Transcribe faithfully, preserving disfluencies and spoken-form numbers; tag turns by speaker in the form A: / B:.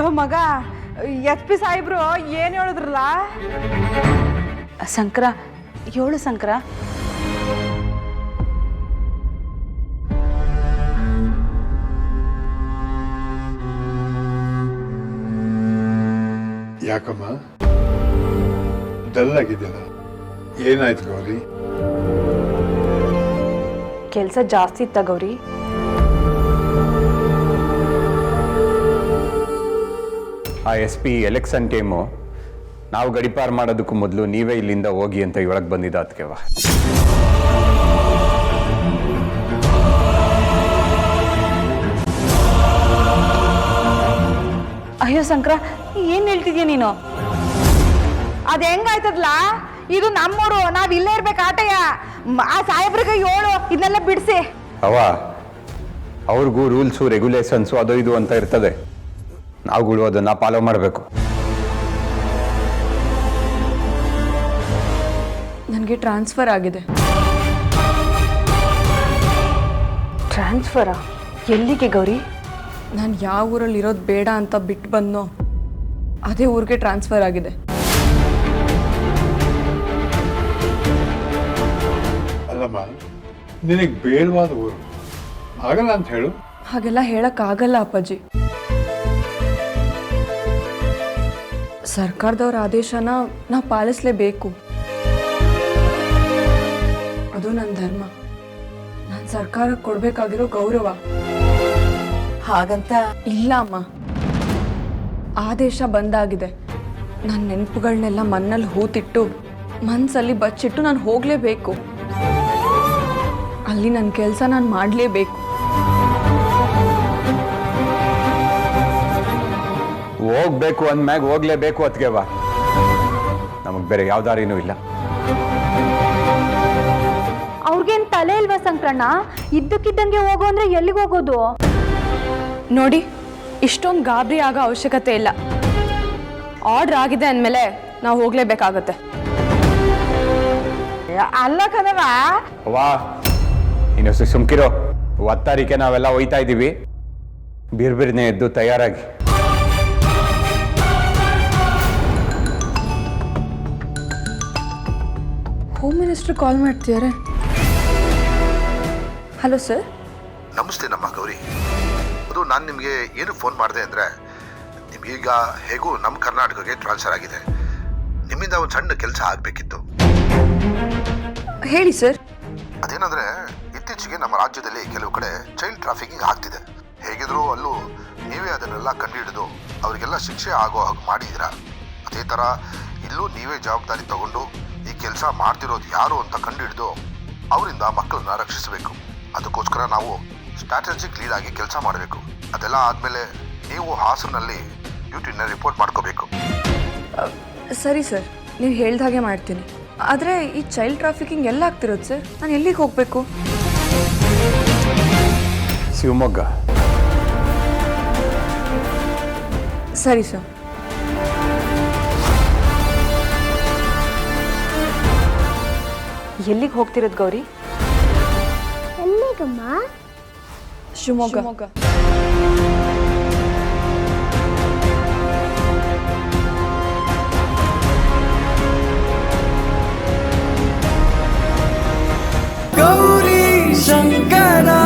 A: Low ಮಗ, H P ಸಾಹೇಬ್ರು ಏನು ಹೇಳಿದ್ರಲ್ಲ?
B: ಶಂಕರ ಏಳು ಶಂಕರ.
C: ಯಾಕಮ್ಮ ಡಲ್ ಆಗಿದ್ಯಲ್ಲ, ಏನಾಯ್ತು ಗೌರಿ?
B: ಕೆಲಸ ಜಾಸ್ತಿ ಇತ್ತ ಗೌರಿ.
D: ಆ ಎಸ್ ಪಿ ಎಲೆಕ್ಷನ್ ಟೈಮು ನಾವು ಗಡಿಪಾರು ಮಾಡೋದಕ್ಕೂ ಮೊದಲು ನೀವೇ ಇಲ್ಲಿಂದ ಹೋಗಿ ಅಂತ ಹೇಳಕ್ ಬಂದಿದ್ದ ಅದಕ್ಕೆವಾ.
B: ಅಯ್ಯೋ ಶಂಕರ, ಏನ್ ಹೇಳ್ತಿದ್ಯಾ ನೀನು?
A: ಅದ್ ಹೆಂಗಾಯ್ತದ್ಲ? ಇದು ನಮ್ಮೂರು, ನಾವ್ ಇಲ್ಲೇ ಇರ್ಬೇಕು ಆಟಯ್ಯ. ಆ ಸಾಹೇಬ್ರಿಗೆ ಹೇಳು ಇದನ್ನೆಲ್ಲ ಬಿಡಿಸಿ.
D: ಅವ ಅವ್ರಿಗೂ ರೂಲ್ಸು ರೆಗ್ಯುಲೇಷನ್ಸು ಅದು ಇದು ಅಂತ ಇರ್ತದೆ, ನಾವುಗಳು ಅದನ್ನ ಫಾಲೋ ಮಾಡಬೇಕು.
E: ನನಗೆ ಟ್ರಾನ್ಸ್ಫರ್ ಆಗಿದೆ.
B: ಟ್ರಾನ್ಸ್ಫರಾ? ಎಲ್ಲಿಗೆ ಗೌರಿ?
E: ನಾನು ಯಾವ ಊರಲ್ಲಿ ಇರೋದು ಬೇಡ ಅಂತ ಬಿಟ್ಟು ಬಂದೋ ಅದೇ ಊರಿಗೆ ಟ್ರಾನ್ಸ್ಫರ್ ಆಗಿದೆ.
C: ಅಲ್ಲಮ್ಮ, ನಿನಗೆ ಬೇಡವಾದ ಊರು ಆಗಲ್ಲ ಅಂತ ಹೇಳು.
E: ಹಾಗೆಲ್ಲ ಹೇಳಕ್ಕಾಗಲ್ಲ ಅಪ್ಪಾಜಿ. ಸರ್ಕಾರದವ್ರ ಆದೇಶನ ನಾವು ಪಾಲಿಸಲೇಬೇಕು. ಅದು ನನ್ನ ಧರ್ಮ, ನಾನು ಸರ್ಕಾರಕ್ಕೆ ಕೊಡ್ಬೇಕಾಗಿರೋ ಗೌರವ.
A: ಹಾಗಂತ
E: ಇಲ್ಲ ಅಮ್ಮ, ಆದೇಶ ಬಂದಾಗಿದೆ. ನನ್ನ ನೆನಪುಗಳನ್ನೆಲ್ಲ ಮಣ್ಣಲ್ಲಿ ಹೂತಿಟ್ಟು ಮನಸ್ಸಲ್ಲಿ ಬಚ್ಚಿಟ್ಟು ನಾನು ಹೋಗಲೇಬೇಕು. ಅಲ್ಲಿ ನನ್ನ ಕೆಲಸ ನಾನು ಮಾಡಲೇಬೇಕು.
D: ಹೋಗ್ಬೇಕು ಅಂದ್ಮ್ಯಾಗ ಹೋಗ್ಲೇಬೇಕು ಅತ್ಗೆವ, ನಮಗ್ ಬೇರೆ ಯಾವ ದಾರಿನೂ ಇಲ್ಲ.
B: ಅವ್ರಿಗೇನ್ ತಲೆ ಇಲ್ವಾ ಸಂಕ್ರಣ್ಣ? ಇದ್ದಕ್ಕಿದ್ದಂಗೆ ಹೋಗೋ ಅಂದ್ರೆ ಎಲ್ಲಿಗೆ ಹೋಗೋದು?
E: ನೋಡಿ, ಇಷ್ಟೊಂದು ಗಾಬರಿ ಆಗೋ ಅವಶ್ಯಕತೆ ಇಲ್ಲ. ಆರ್ಡರ್ ಆಗಿದೆ ಅಂದಮೇಲೆ ನಾವು ಹೋಗಲೇಬೇಕಾಗತ್ತೆ.
A: ಅಲ್ಲ ಕಣವ,
D: ವಾ ಇನ್ನೊಂದು ಸುಮ್ಕಿರೋ. ಹತ್ತು ತಾರೀಕೆ ನಾವೆಲ್ಲ ಹೋಯ್ತಾ ಇದ್ದೀವಿ, ಬಿರ್ಬಿರ್ನೆ ಎದ್ದು ತಯಾರಾಗಿ.
E: ಹೋಮ್ ಮಿನಿಸ್ಟರ್ ಕಾಲ್ ಮಾಡ್ತಿದ್ದಾರೆ. Hello sir.
F: ನಮಸ್ತೆ ನಮ್ಮ ಗೌರಿ. ಅದು ನಾನು ನಿಮಗೆ ಏನು ಫೋನ್ ಮಾಡಿದೆ ಅಂದರೆ, ನಿಮಗೀಗ ಹೇಗೂ ನಮ್ಮ ಕರ್ನಾಟಕಕ್ಕೆ ಟ್ರಾನ್ಸ್ಫರ್ ಆಗಿದೆ. ನಿಮ್ಮಿಂದ ಒಂದು ಸಣ್ಣ ಕೆಲಸ ಆಗಬೇಕಿತ್ತು.
E: ಹೇಳಿ ಸರ್.
F: ಅದೇನಂದರೆ, ಇತ್ತೀಚೆಗೆ ನಮ್ಮ ರಾಜ್ಯದಲ್ಲಿ ಕೆಲವು ಕಡೆ ಚೈಲ್ಡ್ ಟ್ರಾಫಿಕಿಂಗ್ ಆಗ್ತಿದೆ. ಹೇಗಿದ್ರೂ ಅಲ್ಲೂ ನೀವೇ ಅದನ್ನೆಲ್ಲ ಕಂಡುಹಿಡಿದು ಅವರಿಗೆಲ್ಲ ಶಿಕ್ಷೆ ಆಗೋ ಹಾಗೆ ಮಾಡಿದ್ದೀರಾ. ಅದೇ ಥರ ಇಲ್ಲೂ ನೀವೇ ಜವಾಬ್ದಾರಿ ತಗೊಂಡು ಈ ಕೆಲಸ ಮಾಡ್ತಿರೋದು ಯಾರು ಅಂತ ಕಂಡುಹಿಡಿದು ಅವರಿಂದ ಮಕ್ಕಳನ್ನ ರಕ್ಷಿಸಬೇಕು. ಅದಕ್ಕೋಸ್ಕರ ನಾವು ಸ್ಟ್ರಾಟಜಿಕ್ ಲೀಡ್ ಆಗಿ ಕೆಲಸ ಮಾಡಬೇಕು. ಅದೆಲ್ಲ ಆದಮೇಲೆ ನೀವು ಹಾಸನಲ್ಲಿ ಡ್ಯೂಟಿನ ರಿಪೋರ್ಟ್ ಮಾಡ್ಕೋಬೇಕು.
E: ಸರಿ ಸರ್, ನೀವು ಹೇಳ್ದ ಹಾಗೆ ಮಾಡ್ತೀನಿ. ಆದರೆ ಈ ಚೈಲ್ಡ್ ಟ್ರಾಫಿಕಿಂಗ್ ಎಲ್ಲ ಆಗ್ತಿರೋದು ಸರ್? ನಾನು ಎಲ್ಲಿಗೆ ಹೋಗಬೇಕು?
D: ಶಿವಮೊಗ್ಗ.
E: ಸರಿ ಸರ್.
B: ಎಲ್ಲಿಗೆ ಹೋಗ್ತಿರೋದು ಗೌರಿ?
G: ಎಲ್ಲಿಗಮ್ಮ?
E: ಶಿವಮೊಗ್ಗ.
H: ಗೌರಿ ಶಂಕರ